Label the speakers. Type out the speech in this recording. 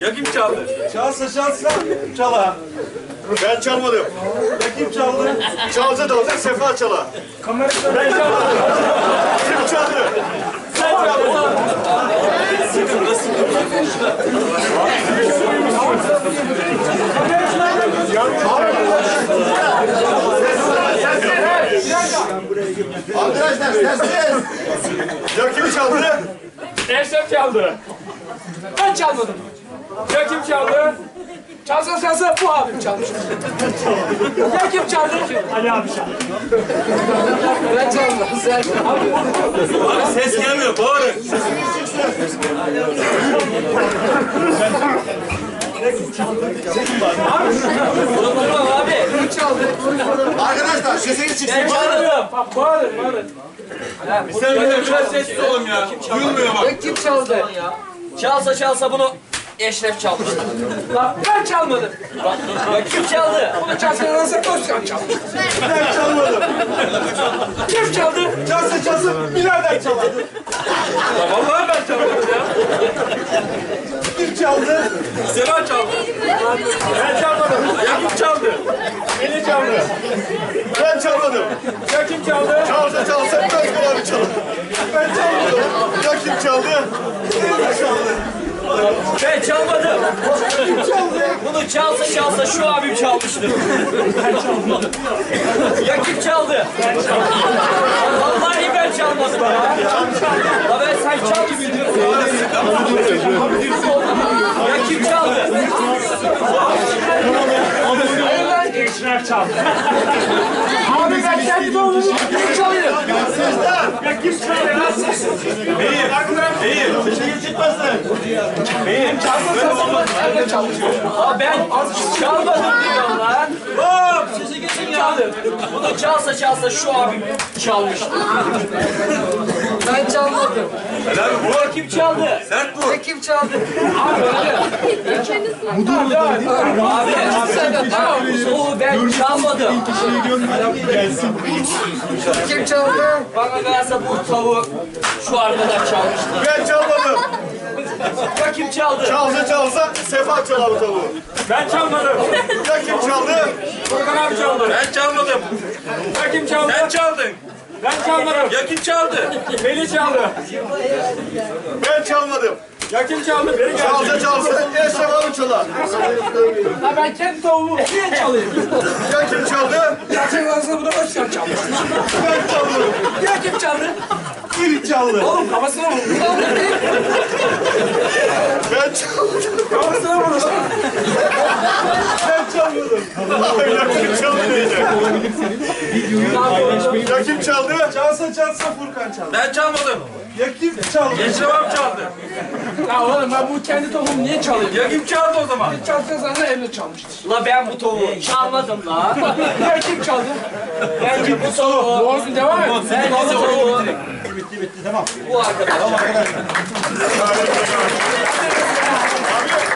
Speaker 1: Ya kim çaldı?
Speaker 2: Çalsa çala.
Speaker 3: Ben çalmadım.
Speaker 2: Ya kim çaldı?
Speaker 3: Çalsa da olacak Sefa çala.
Speaker 2: Ben çalmadım.
Speaker 3: Kim çaldı?
Speaker 2: Sen çaldın.
Speaker 3: Arkadaşlar sessiz. Ya kim çaldı?
Speaker 4: Eşref çaldı. Ben çalmadım. Ya kim çaldı? Çalsa bu abim çalmış. Ya kim çaldı? Ali abi çaldı. Ben çaldım. Sen
Speaker 1: Abi ses gelmiyor, bağırın.
Speaker 4: abi. Kim çaldı?
Speaker 3: Arkadaşlar sesiniz çıksın.
Speaker 4: Ben çaldım. Bak bağırın.
Speaker 1: Sen biraz sessiz olun ya. Duyulmuyor bak.
Speaker 4: Ya kim çaldı?
Speaker 5: Çalsa bunu Eşref çalmıştı.
Speaker 4: Lan ben çalmadım.
Speaker 5: Ya kim çaldı?
Speaker 4: Bunu çalsa Koşcan çalmış.
Speaker 2: Ben çalmadım.
Speaker 4: Kim çaldı?
Speaker 2: Çalsa birader çaldı.
Speaker 1: Vallahi ben çalmadım ya.
Speaker 2: Kim çaldı?
Speaker 1: Sema çaldı.
Speaker 2: Ben çalmadım.
Speaker 1: Ya kim çaldı?
Speaker 2: Beni çaldı.
Speaker 3: Ben çalmadım.
Speaker 4: Ya kim çaldı?
Speaker 3: Çalsa Özgür abi çaldı.
Speaker 2: Ben çalmadım.
Speaker 3: Ya kim çaldı?
Speaker 5: Ben çalmadım. Bunu çalsa şu abim çalmıştı. Ya kim çaldı? Vallahi ben çalmadım ya. La ben sen çal gibi diyorsun. Ya kim çaldı?
Speaker 4: Eşref çaldı. Abi ben kendi doğumumu kim çalıyor? Ya kim çalıyor lan?
Speaker 3: Sesiniz çıkmasın.
Speaker 4: Nerede çalışıyor?
Speaker 5: Aa ben çalmadım diyorum lan. Hop sizi geçin ya. Bunu çalsa şu abim çalmıştı.
Speaker 4: Ben çalmadım.
Speaker 1: Helal bu.
Speaker 5: Ya kim çaldı?
Speaker 1: Sert bu.
Speaker 4: Ya kim çaldı? Abi öyle. Abi
Speaker 5: Oo ben çalmadım.
Speaker 4: kim çaldı?
Speaker 5: Bana kalırsa bu tavuğu şu arkadaş çalmıştı.
Speaker 3: Ben çalmadım.
Speaker 5: Ya kim çaldı?
Speaker 3: Çalsa Sefa çalar bu tavuğu.
Speaker 1: Ben çalmadım.
Speaker 3: Ya kim çaldı?
Speaker 1: Furkan abi çaldı. Ben çalmadım.
Speaker 4: Ya kim çaldı?
Speaker 1: Sen çaldın.
Speaker 4: Ben çalmadım.
Speaker 1: Ya kim çaldı?
Speaker 4: Beni çaldı.
Speaker 3: Ben çalmadım.
Speaker 4: Ya kim çaldı? Beni
Speaker 3: Çalsa Eşref abi çalar.
Speaker 4: Ya ben kendi tavuğumu niye çalayım?
Speaker 3: Ya kim çaldı?
Speaker 4: Gerçek olsa bunu Özcan çalmış.
Speaker 3: Ben çalmadım.
Speaker 4: Ya kim çaldı?
Speaker 2: Biri çaldı.
Speaker 4: Oğlum kafasına vurdu.
Speaker 3: Ben çalmadım.
Speaker 4: Kafasına vurdu.
Speaker 3: Ben çalmadım. Ya kim çaldı diyecek. Ya kim çaldı?
Speaker 2: Çalsa Furkan çaldı.
Speaker 1: Ben çalmadım.
Speaker 2: Ya kim çaldı?
Speaker 1: Eşref abi çaldı.
Speaker 4: Ya oğlum ben bu kendi tavuğumu niye çalayım?
Speaker 1: Ya kim çaldı o zaman?
Speaker 4: Çalsa sana elle çalmıştır.
Speaker 5: La ben bu tavuğu çalmadım la.
Speaker 4: Ya kim çaldı?
Speaker 5: Bence bu tavuğu.
Speaker 4: Doğru devam et.
Speaker 5: Bence bu tavuğu.
Speaker 3: Bitti tamam.
Speaker 5: Bu arkadaş.